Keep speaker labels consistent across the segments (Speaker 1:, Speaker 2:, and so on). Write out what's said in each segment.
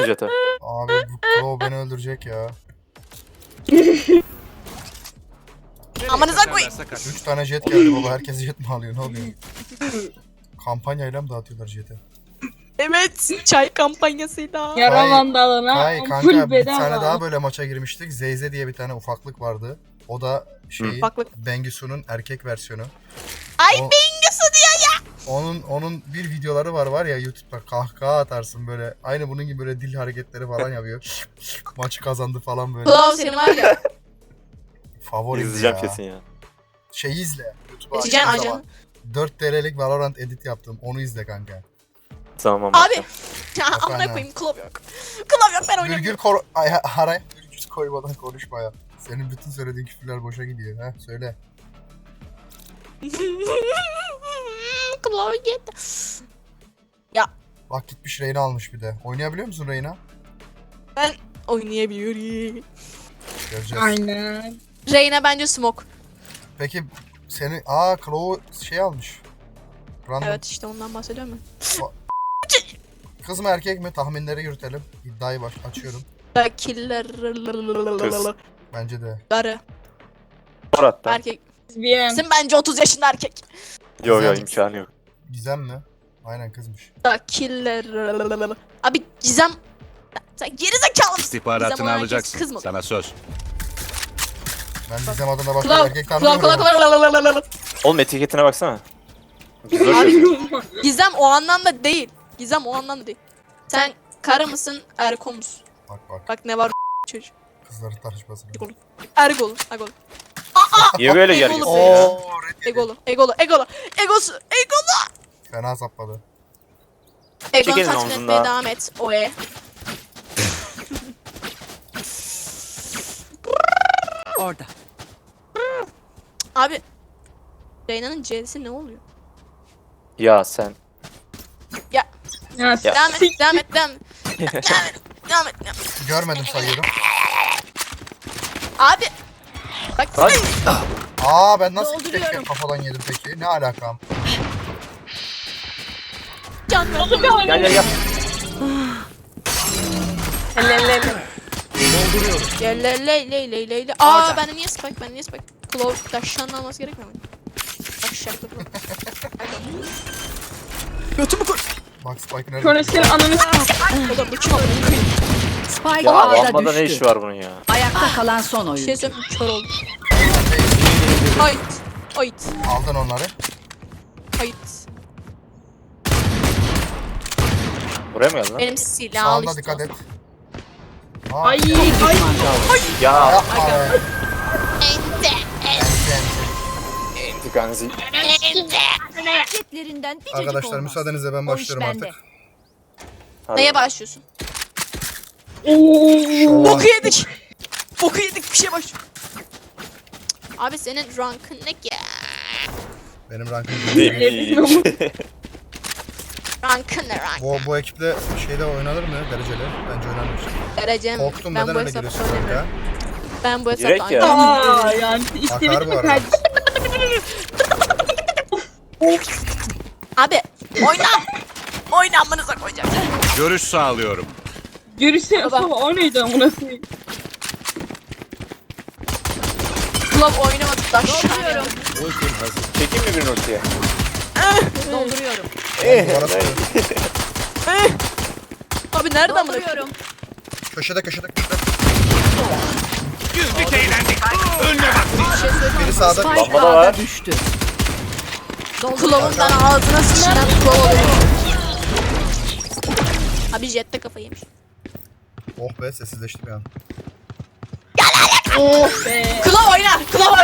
Speaker 1: Jet'e.
Speaker 2: Abi bu Claw beni öldürecek ya.
Speaker 3: Amanıza koyayım.
Speaker 2: 3 tane jet geldi baba. Herkes jet mi alıyor? Ne oluyor? Kampanyayla mı dağıtıyorlar jet'i?
Speaker 3: Evet. Çay kampanyasıyla.
Speaker 4: Yara
Speaker 2: Hayır.
Speaker 4: vandalına
Speaker 2: Hayır
Speaker 4: full
Speaker 2: kanka bir
Speaker 4: bedava.
Speaker 2: tane daha böyle maça girmiştik. Zeyze diye bir tane ufaklık vardı. O da şeyi
Speaker 3: Ufaklık.
Speaker 2: Bengisu'nun erkek versiyonu.
Speaker 3: Ay
Speaker 2: O-
Speaker 3: Bengüsü diyor ya.
Speaker 2: Onun bir videoları var ya YouTube'da kahkaha atarsın böyle. Aynı bunun gibi böyle dil hareketleri falan yapıyor. Maçı kazandı falan böyle.
Speaker 3: Kulağı senin var ya.
Speaker 2: Favori
Speaker 1: İzleyeceğim
Speaker 2: ya.
Speaker 1: kesin ya.
Speaker 2: Şeyi izle. YouTube'a
Speaker 3: İzleyeceksin
Speaker 2: açtığın
Speaker 3: ajanı.
Speaker 2: zaman 4 TL'lik Valorant edit yaptım. Onu izle kanka.
Speaker 1: Tamam.
Speaker 3: Abi. Ya
Speaker 2: Efendim?
Speaker 3: amına koyayım kulağı yok. Kulağı yok ben oynamıyorum.
Speaker 2: Virgül koy... Ay, araya virgül koymadan konuşma ya. Senin bütün söylediğin küfürler boşa gidiyor. Ha söyle.
Speaker 3: Kulağı gitti.
Speaker 2: Bak gitmiş Reyna almış bir de. Oynayabiliyor musun Reyna?
Speaker 3: Ben oynayabiliyorum.
Speaker 2: Göreceğiz.
Speaker 4: Aynen.
Speaker 3: Reyna bence smoke.
Speaker 2: Peki seni... Claw şey almış. Random.
Speaker 3: Evet işte ondan bahsediyorum ben.
Speaker 2: Kız mı erkek mi? Tahminleri yürütelim. İddiayı açıyorum.
Speaker 3: Killer.
Speaker 1: Kız.
Speaker 2: Bence de.
Speaker 3: Karı.
Speaker 1: Murat'tan.
Speaker 3: Erkek.
Speaker 4: Bien.
Speaker 3: Sen bence 30 yaşında erkek.
Speaker 1: Yok yok imkanı yok.
Speaker 2: Gizem mi? Aynen kızmış.
Speaker 3: Killer. Abi Gizem. Sen geri zekalı mısın?
Speaker 5: İstihbaratını
Speaker 3: Gizem
Speaker 5: alacaksın.
Speaker 3: kız mı?
Speaker 5: Sana söz.
Speaker 2: Ben Gizem adına başka
Speaker 3: Kulağı.
Speaker 2: erkek
Speaker 3: Kulağı
Speaker 2: tanımıyorum.
Speaker 1: Oğlum etiketine baksana. Güzel yazıyor.
Speaker 3: Gizem o anlamda değil. Gizem o anlamda değil. Sen karı mısın, erko musun?
Speaker 2: Bak
Speaker 3: Bak ne var çocuk.
Speaker 2: kızların tartışmasına.
Speaker 3: Ergolu, egolu.
Speaker 1: Niye böyle
Speaker 3: Egolu
Speaker 1: gerginsin
Speaker 3: be.
Speaker 1: ya?
Speaker 2: Oo red yedi.
Speaker 3: Egolu. Egosu, egolu.
Speaker 2: Fena sapladı.
Speaker 3: Egonu
Speaker 1: Çekelim
Speaker 3: tatmin
Speaker 1: omzundan.
Speaker 3: etmeye devam et. Oe.
Speaker 6: Orada.
Speaker 3: Abi. Reyna'nın C'si ne oluyor?
Speaker 1: Ya sen.
Speaker 4: Ya,
Speaker 3: Devam et. Devam et.
Speaker 2: Görmedim sayıyorum.
Speaker 3: Abi. Bak
Speaker 1: Bak.
Speaker 2: Ben nasıl iki tek
Speaker 3: Dolduruyorum.
Speaker 2: kafadan yedim peki? Ne alakam?
Speaker 3: can ver.
Speaker 1: Gel.
Speaker 3: Ley. Bende niye spike? Claw taşşanın alması gerekmiyor mu? Taşşaklı Claw. Götümü koy.
Speaker 2: Bak Spike'ın nerede?
Speaker 4: Sonra senin ananı
Speaker 3: Oğlum bu kim amına koyayım?
Speaker 6: Spike
Speaker 1: Ya
Speaker 6: A'da
Speaker 1: lambada ne
Speaker 6: düştü.
Speaker 1: işi var bunun ya?
Speaker 6: Ayakta kalan son
Speaker 3: Bir
Speaker 6: oyun.
Speaker 3: şey söyleyeyim kör oldum. Ayıt.
Speaker 2: Aldın onları.
Speaker 3: Ayıt.
Speaker 1: Buraya mı geldin lan?
Speaker 3: Benim silahı al
Speaker 2: Sağında
Speaker 3: işte.
Speaker 2: dikkat et.
Speaker 4: Ay.
Speaker 1: Ya.
Speaker 2: Yapma be.
Speaker 3: Ente.
Speaker 1: İntikanzi.
Speaker 6: Jetlerinden bir
Speaker 2: Arkadaşlar müsaadenizle ben başlıyorum artık.
Speaker 3: Neye başlıyorsun?
Speaker 2: Şova.
Speaker 3: Boku yedik. Bir şey başlıyor. Abi senin rankın ne ki?
Speaker 2: Benim rankım.
Speaker 3: Rankın ne rank?
Speaker 2: Bu ekiple şeyde oynanır mı? Dereceli. Bence oynanır.
Speaker 3: Derecem.
Speaker 2: Korktum
Speaker 3: Ben
Speaker 2: neden
Speaker 3: bu
Speaker 2: öyle
Speaker 3: hesapta
Speaker 2: giriyorsun kanka?
Speaker 3: oynamıyorum. Ben bu
Speaker 1: Direkt
Speaker 3: hesapta
Speaker 1: ya.
Speaker 3: oynamıyorum.
Speaker 4: Aa yani istedik
Speaker 2: Akar bu
Speaker 4: mi
Speaker 2: arada.
Speaker 4: kardeşim?
Speaker 3: Abi oyna amınıza koyacağım.
Speaker 5: Görüş sağlıyorum.
Speaker 4: Görüşsene
Speaker 3: Baba.
Speaker 4: baba o neydi amına koyayım.
Speaker 3: Club oynamadı taşşanıyorum.
Speaker 5: Ultim hazır.
Speaker 1: Çekeyim mi bir ultiye?
Speaker 6: dolduruyorum.
Speaker 2: Duvara sıkıyor.
Speaker 3: Abi nereden amına
Speaker 6: Dolduruyorum.
Speaker 2: Köşede.
Speaker 5: Güldük eğlendik. Önüne bak.
Speaker 3: Bir şey söyleyeyim.
Speaker 2: Biri sağda.
Speaker 6: Spike
Speaker 1: Lambada
Speaker 6: A'da
Speaker 1: var.
Speaker 6: düştü.
Speaker 3: Club'un ben ağzına sıçran Club oluyor. Abi jette kafayı yemiş.
Speaker 2: Oh be sessizleşti bir an.
Speaker 4: Oh be.
Speaker 3: Club oyna.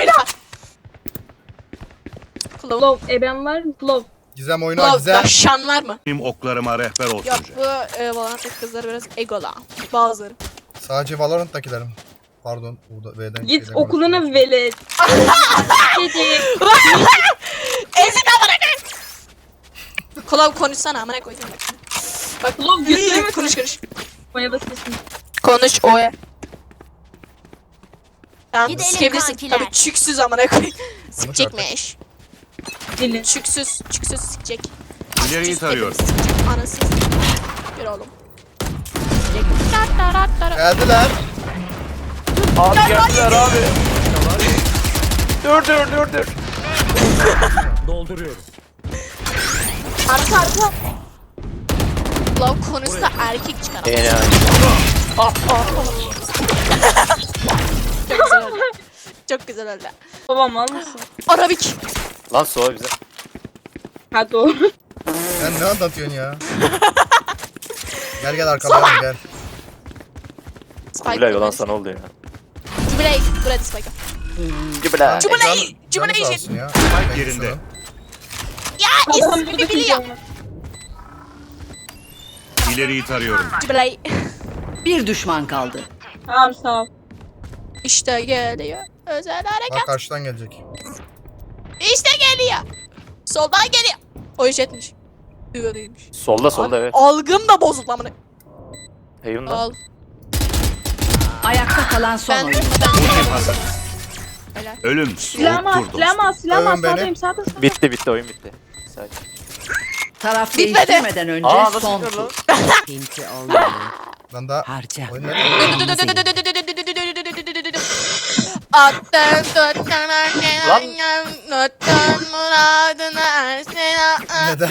Speaker 3: Club.
Speaker 4: Love eben var mı? Love.
Speaker 2: Gizem oyna
Speaker 3: Club
Speaker 2: Gizem.
Speaker 3: taşşan var mı?
Speaker 5: Benim oklarıma rehber olsun.
Speaker 3: Yok bu Valorant'taki kızlar biraz egola. Bazıları.
Speaker 2: Sadece Valorant'takilerim. Pardon. Burada V'den
Speaker 4: Git
Speaker 2: şeyden
Speaker 4: okuluna
Speaker 2: konuşuyorum.
Speaker 4: velet. Gece.
Speaker 3: Ezin amına koyayım. Club konuşsana amına koyacağım bak. Bak
Speaker 4: Club götüreme
Speaker 3: konuş.
Speaker 4: Maya basıyorsun.
Speaker 3: Konuş oya. Tamam
Speaker 6: Gidelim
Speaker 3: sikebilirsin.
Speaker 6: kankiler.
Speaker 3: Tabii çüksüz amına koyayım. Sikecekmiş.
Speaker 4: Dili.
Speaker 3: Çüksüz sikecek.
Speaker 5: İleriyi tarıyorum.
Speaker 3: Anasız. Bir oğlum.
Speaker 2: Geldiler.
Speaker 1: Abi geldiler abi. Dur.
Speaker 5: Dolduruyorum.
Speaker 4: Arka arka.
Speaker 3: Love konusunda erkek çıkar.
Speaker 1: Yani.
Speaker 3: Çok güzel oldu. Çok güzel oldu.
Speaker 4: Babam al mısın?
Speaker 3: Arabik.
Speaker 1: Lan soğuk bize.
Speaker 4: Ha doğru.
Speaker 2: Sen ne anlatıyorsun ya? Gel arkamdan gel.
Speaker 3: Spike.
Speaker 1: Bilal olan sana oldu ya.
Speaker 3: Jubiley. Buraya Spike.
Speaker 1: Gibla.
Speaker 3: Jubiley.
Speaker 2: Canı
Speaker 3: Jubiley.
Speaker 2: sağ olsun ya.
Speaker 5: Yerinde.
Speaker 3: Ya
Speaker 4: Adam
Speaker 3: ismini
Speaker 4: burada
Speaker 3: biliyor.
Speaker 4: biliyor.
Speaker 5: İleriyi tarıyorum.
Speaker 3: Jubiley.
Speaker 6: Bir düşman kaldı.
Speaker 4: Tamam sağ ol.
Speaker 3: İşte geliyor. Özel
Speaker 2: Bak
Speaker 3: harekat.
Speaker 2: karşıdan gelecek.
Speaker 3: İşte geliyor. Soldan geliyor. O iş etmiş. Düğünüymüş.
Speaker 1: Solda evet.
Speaker 3: Algım da bozuldu amına.
Speaker 1: Heaven'da.
Speaker 3: Al.
Speaker 6: Ayakta kalan son
Speaker 3: Ben
Speaker 6: oyuncu.
Speaker 5: Ultim hazır.
Speaker 3: Helal.
Speaker 5: Ölüm
Speaker 4: Silahımı al,
Speaker 5: soğuktur dostum.
Speaker 4: silahımı al, silahımı al.
Speaker 2: Övün beni.
Speaker 4: Sağdayım, sağda.
Speaker 1: Bitti oyun bitti. Sakin.
Speaker 6: Taraf
Speaker 3: Bitmedi.
Speaker 6: değiştirmeden önce
Speaker 1: Aa nasıl
Speaker 6: son
Speaker 1: gidiyor lan?
Speaker 6: tur. Pinti olmalı.
Speaker 2: Lan daha
Speaker 6: Harca.
Speaker 2: oyun ne?
Speaker 3: Attın tuttan
Speaker 1: Lan.
Speaker 3: tuttan muradına ersene.
Speaker 2: Neden?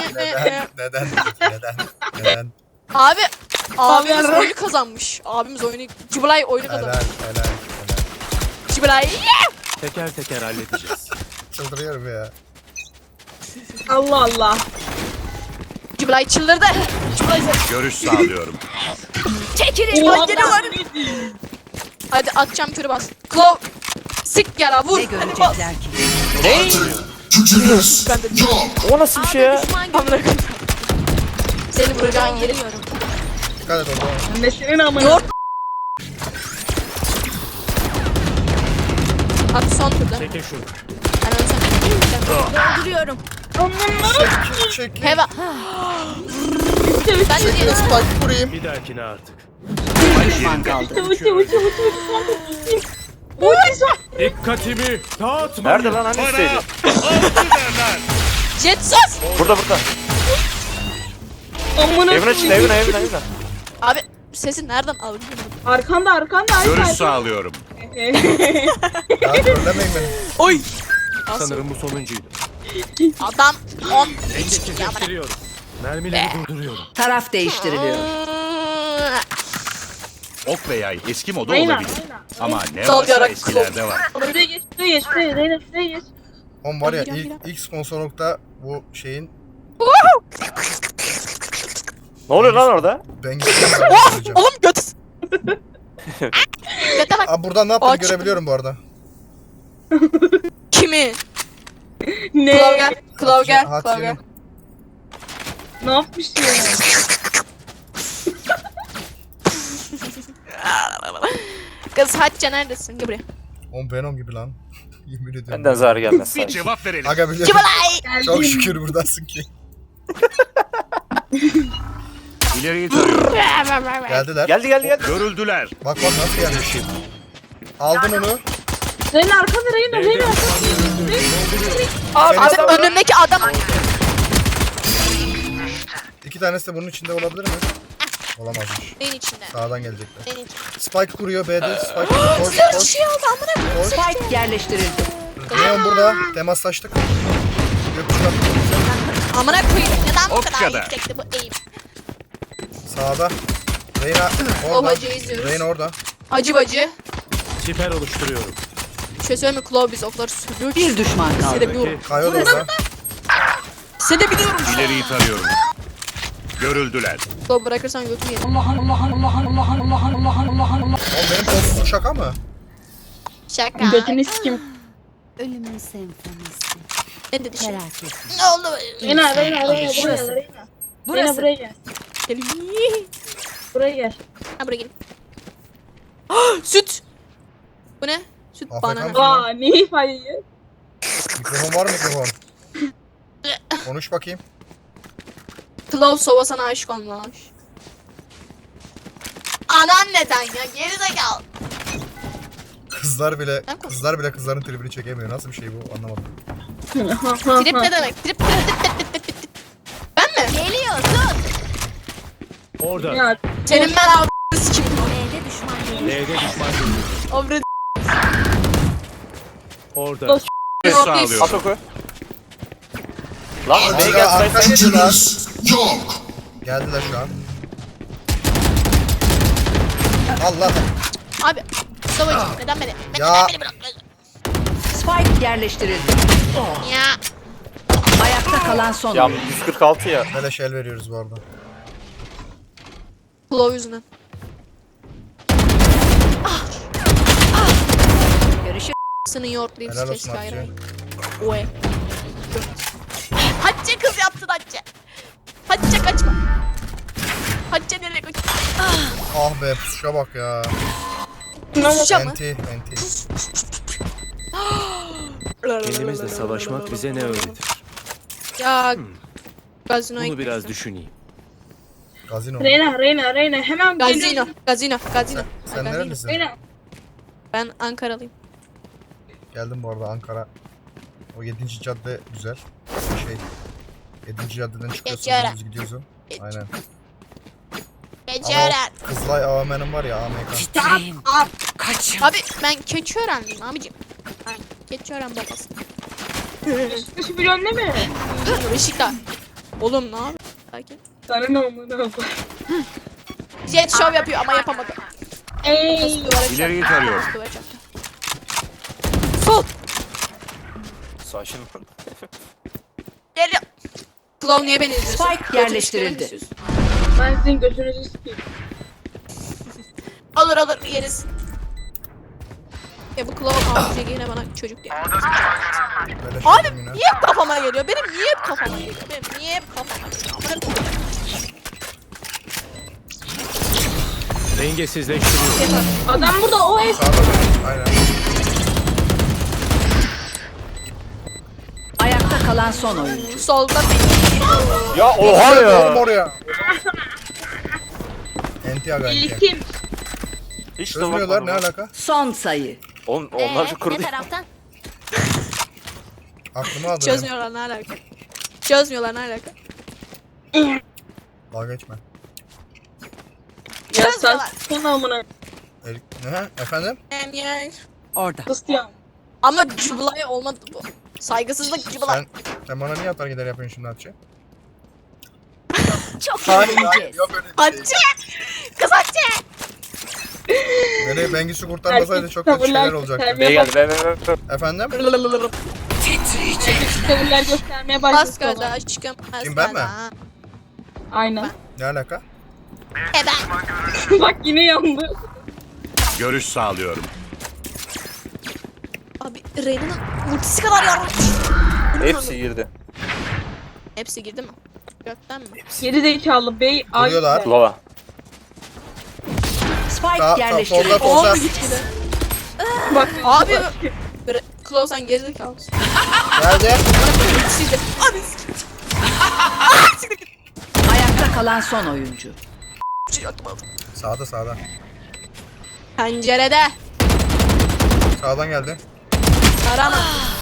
Speaker 2: Neden?
Speaker 3: Abi abimiz
Speaker 4: Abi.
Speaker 3: oyunu kazanmış. Abimiz oyunu Cibilay oyunu
Speaker 2: Helal.
Speaker 3: kazanmış. Cibilay.
Speaker 5: Teker teker halledeceğiz.
Speaker 2: Çıldırıyorum ya.
Speaker 4: Allah Allah.
Speaker 3: Cibilay çıldırdı. Cibilay
Speaker 5: Görüş sağlıyorum.
Speaker 3: çekilin.
Speaker 4: Oha,
Speaker 3: Geliyorlar. Hadi atacağım körü bas. Klov. Sik yara vur.
Speaker 6: Ne görecekler ki?
Speaker 3: Ben de
Speaker 1: O nasıl bir şey ya?
Speaker 3: amına koyayım. Seni vuracağın yeri.
Speaker 2: Dikkat et orada.
Speaker 4: Mesleğin amına.
Speaker 3: Yoğurt. At son turda.
Speaker 5: Çekin şunu.
Speaker 3: Ben ölsem. Dolduruyorum.
Speaker 2: Çek.
Speaker 3: Heva. Ben de diyelim.
Speaker 2: Spike vurayım.
Speaker 5: Bir dahakine artık.
Speaker 6: Bir düşman kaldı.
Speaker 5: Dikkatimi dağıtma.
Speaker 1: Nerede lan hani isteydi?
Speaker 3: Jet sos.
Speaker 1: Burada.
Speaker 4: Amına
Speaker 1: Heaven'a çıktı Heaven'a.
Speaker 3: Abi sesi nereden aldın?
Speaker 4: Arkanda ay
Speaker 5: Görüş
Speaker 4: arkanda.
Speaker 5: sağlıyorum.
Speaker 2: Ya trollemeyin beni.
Speaker 3: Oy.
Speaker 5: Sanırım bu sonuncuydu.
Speaker 3: Adam 10 hiç ya bana.
Speaker 5: Getiriyorum. Mermileri durduruyorum.
Speaker 6: Taraf değiştiriliyor.
Speaker 5: Ok ve yay eski moda
Speaker 4: Reyna,
Speaker 5: olabilir.
Speaker 4: Reyna.
Speaker 5: Ama ne
Speaker 3: Sol
Speaker 5: varsa
Speaker 3: yarak
Speaker 5: eskilerde var.
Speaker 4: Şuraya geç, Reyna geç.
Speaker 2: Oğlum var ya
Speaker 3: Gel.
Speaker 2: ilk sponsorlukta bu şeyin
Speaker 1: Ne oluyor lan orada?
Speaker 2: ben gideceğim.
Speaker 3: Oğlum göt. Göte bak.
Speaker 2: Abi buradan ne yaptığını
Speaker 3: Aç.
Speaker 2: görebiliyorum bu arada.
Speaker 3: Kimi? Klov
Speaker 4: Ne?
Speaker 3: gel. Klov gel. Klov gel.
Speaker 2: Hatice'nin.
Speaker 4: Ne yapmışsın ya?
Speaker 3: Kız Hatice neredesin? Gel buraya.
Speaker 2: Oğlum Venom gibi lan. Yemin ediyorum.
Speaker 1: Benden zarar gelmez.
Speaker 5: Bir
Speaker 1: sanki.
Speaker 5: cevap verelim.
Speaker 2: Aga biliyorum.
Speaker 3: Cibilay.
Speaker 2: Çok şükür buradasın ki.
Speaker 5: İleriyi tarıyorum.
Speaker 2: Geldiler.
Speaker 1: Geldi.
Speaker 5: Görüldüler.
Speaker 2: Bak nasıl gelmiş. Aldın onu.
Speaker 4: Reyna arkanda, Reyna arkanda.
Speaker 3: Abi önümdeki adam.
Speaker 2: İki tanesi de bunun içinde olabilir mi? Olamazmış.
Speaker 3: Neyin içinde?
Speaker 2: Sağdan gelecekler.
Speaker 3: Neyin içinde?
Speaker 2: Spike kuruyor B'de. Spike koş
Speaker 3: Bir
Speaker 2: koş.
Speaker 3: şey oldu amına koyayım.
Speaker 6: Spike yerleştirildi.
Speaker 2: Neon burada. Temaslaştık. Gökçük attı.
Speaker 3: Amına koyayım. Neden bu
Speaker 5: O
Speaker 3: kadar
Speaker 5: kadar.
Speaker 3: yüksekti bu eğim?
Speaker 2: Sağda. Reyna orada.
Speaker 3: Babacı izliyoruz.
Speaker 2: Reyna orada.
Speaker 3: Acı bacı.
Speaker 5: Siper oluşturuyorum.
Speaker 3: Bir şey söyleyeyim mi? Klov biz okları sürüyor ki.
Speaker 6: Bir düşman kaldı.
Speaker 3: Sedebiliyorum.
Speaker 2: Kayo da orada.
Speaker 3: Sedebiliyorum.
Speaker 5: İleriyi tarıyorum. Görüldüler.
Speaker 3: Klov bırakırsan götümü yerim.
Speaker 2: Oğlum benim kolsuzluk şaka mı?
Speaker 3: Şaka.
Speaker 4: Götünü sikim.
Speaker 6: Ölümün senfonisi.
Speaker 3: Ne dedi şimdi?
Speaker 6: Merak etme.
Speaker 3: Ne oldu?
Speaker 4: Reyna buraya
Speaker 6: Burası.
Speaker 4: Reyna. Reyna
Speaker 6: Burası.
Speaker 4: buraya gel.
Speaker 3: Gelin.
Speaker 4: Buraya gel.
Speaker 3: Ha buraya gelin. Ah, süt. Bu ne? Süt
Speaker 2: Afk
Speaker 3: banana.
Speaker 2: mısın?
Speaker 4: Aa ne ifade?
Speaker 2: Mikrofon var mı mikrofon? Konuş bakayım.
Speaker 3: Klov sova sana aşık olmuş. Anan neden ya? Gerizekalı.
Speaker 2: Kızlar bile
Speaker 3: Ben konuş-
Speaker 2: kızların tribini çekemiyor. Nasıl bir şey bu anlamadım.
Speaker 3: Trip ne demek? Trip. Ben mi? Geliyorsun.
Speaker 5: Orada.
Speaker 4: Ya
Speaker 3: Senin ben avradını sikeyim.
Speaker 5: L'de düşman görüldü.
Speaker 3: Avret.
Speaker 5: Orada.
Speaker 4: Dost-
Speaker 5: Görüş
Speaker 1: At
Speaker 5: sağlıyorum.
Speaker 1: oku. Lan B'ye
Speaker 2: Arka
Speaker 1: gel sayfa.
Speaker 2: geldiler. Geldiler şu an. Allah.
Speaker 3: Abi. Savaş. Neden beni?
Speaker 2: Ya.
Speaker 3: Neden beni bırakmıyorsun?
Speaker 6: Spike yerleştirildi.
Speaker 3: Ya.
Speaker 6: Ayakta kalan son
Speaker 1: Ya
Speaker 6: oyuncu.
Speaker 1: 146 ya.
Speaker 2: Beleş el veriyoruz bu arada.
Speaker 3: Claw yüzünden.
Speaker 6: Görüşü
Speaker 3: Seni yoğurtlayıp
Speaker 2: Helal olsun
Speaker 3: keşke
Speaker 2: Hatice.
Speaker 3: ayırayım. Oy. Hatice kız yaptın Hatice. Hatice kaçma. Hatice nereye kaç?
Speaker 2: Ah be pusuşa bak ya.
Speaker 3: Susacağım mı?
Speaker 2: Enti.
Speaker 5: Kendimizle savaşmak bize ne öğretir?
Speaker 3: Ya. Gazinoya
Speaker 5: Bunu biraz
Speaker 3: gittim.
Speaker 5: düşüneyim.
Speaker 2: Gazino.
Speaker 4: Reyna hemen
Speaker 3: Gazino. Gazino.
Speaker 2: Sen
Speaker 3: Ay,
Speaker 2: nerelisin?
Speaker 4: Reyna.
Speaker 3: Ben Ankaralıyım.
Speaker 2: Geldim bu arada Ankara. O 7. cadde güzel. Şey. 7. caddeden çıkıyorsun.
Speaker 3: Geçiyorum.
Speaker 2: Biz gidiyoruz o. Aynen.
Speaker 3: Geçören.
Speaker 2: Kızılay AVM'nin var ya AMK.
Speaker 6: kaçın.
Speaker 3: Abi ben Keçiörenliyim abicim. Ben Keçiören babası.
Speaker 4: Şu milyon değil mi?
Speaker 3: Beşiktaş. Oğlum ne yapıyorsun? Sakin.
Speaker 4: Sana ne oldu?
Speaker 3: Jet show yapıyor ama yapamadı.
Speaker 4: Ey.
Speaker 3: Duvara çarptı.
Speaker 5: İleriyi tarıyorum.
Speaker 3: Duvara çarptı. Sol.
Speaker 1: Sakin ol.
Speaker 3: Geliyor. Clown niye beni izliyorsun?
Speaker 6: Spike
Speaker 3: Götünü
Speaker 6: yerleştirildi.
Speaker 3: sikeyim mi
Speaker 4: Ben sizin götünüzü sikeyim.
Speaker 3: istiyorsun? Olur yeriz. Ya bu Clown abicek yine bana çocuk diye.
Speaker 2: Beleş
Speaker 3: Abi
Speaker 2: yedim yine.
Speaker 3: niye hep kafama geliyor? Benim niye hep kafama geliyor? Benim niye hep kafama geliyor? Amına koyayım.
Speaker 5: Dengesizleştiriyorum.
Speaker 4: Adam burada o ev.
Speaker 2: Sağda da. Aynen.
Speaker 6: Ayakta kalan son oyuncu.
Speaker 3: Solda beni.
Speaker 1: Ya oha
Speaker 2: Oğlum
Speaker 1: ya.
Speaker 2: oraya. Enti aga enti.
Speaker 4: İlkim.
Speaker 1: Hiç de
Speaker 2: Çözmüyorlar ne
Speaker 1: bakmadım.
Speaker 2: alaka?
Speaker 6: Son sayı.
Speaker 1: Onlar şu kurdu.
Speaker 3: taraftan?
Speaker 2: Aklıma aldı.
Speaker 3: Çözmüyorlar ne alaka? Çözmüyorlar ne alaka?
Speaker 2: Dalga geçme.
Speaker 4: Ya
Speaker 3: Çözmüyorlar.
Speaker 4: sen amına.
Speaker 2: Ne? Efendim?
Speaker 6: Orada.
Speaker 4: Kıstıyam.
Speaker 3: Ama Cubla'ya olmadı bu. Saygısızlık Cubla.
Speaker 2: Sen bana niye atar gider yapıyorsun şimdi Hatice?
Speaker 6: Çok
Speaker 2: Hayır,
Speaker 6: eğleneceğiz.
Speaker 2: yok öyle bir şey.
Speaker 3: Hatice! Kız Hatice!
Speaker 2: Beni Bengüsü kurtarmasaydı çok kötü şeyler olacaktı.
Speaker 1: B'ye geldi. Be.
Speaker 2: Efendim?
Speaker 4: Tavırlar göstermeye başladı.
Speaker 3: Bas gaza aşkım. Bas
Speaker 2: Kim, ben mi?
Speaker 3: gaza.
Speaker 4: Aynen.
Speaker 2: Ne alaka?
Speaker 3: Ben.
Speaker 4: Bak yine yandı.
Speaker 5: Görüş sağlıyorum.
Speaker 3: Abi Reyna'nın ultisi kadar yardım.
Speaker 1: Hepsi girdi.
Speaker 3: Hepsi girdi mi? Gökten mi?
Speaker 4: Geri zekalı bey. Ay.
Speaker 2: Vuruyorlar.
Speaker 1: Lava.
Speaker 6: Spike
Speaker 2: Solda
Speaker 6: yerleştirildi.
Speaker 2: solda.
Speaker 4: Bak.
Speaker 3: Abi Claw sen gerizekalısın.
Speaker 2: Nerede?
Speaker 3: Ultisiydi. Abi
Speaker 6: Ayakta kalan son oyuncu.
Speaker 2: Sağda.
Speaker 3: pencerede.
Speaker 2: Sağdan geldi.
Speaker 3: Tarama.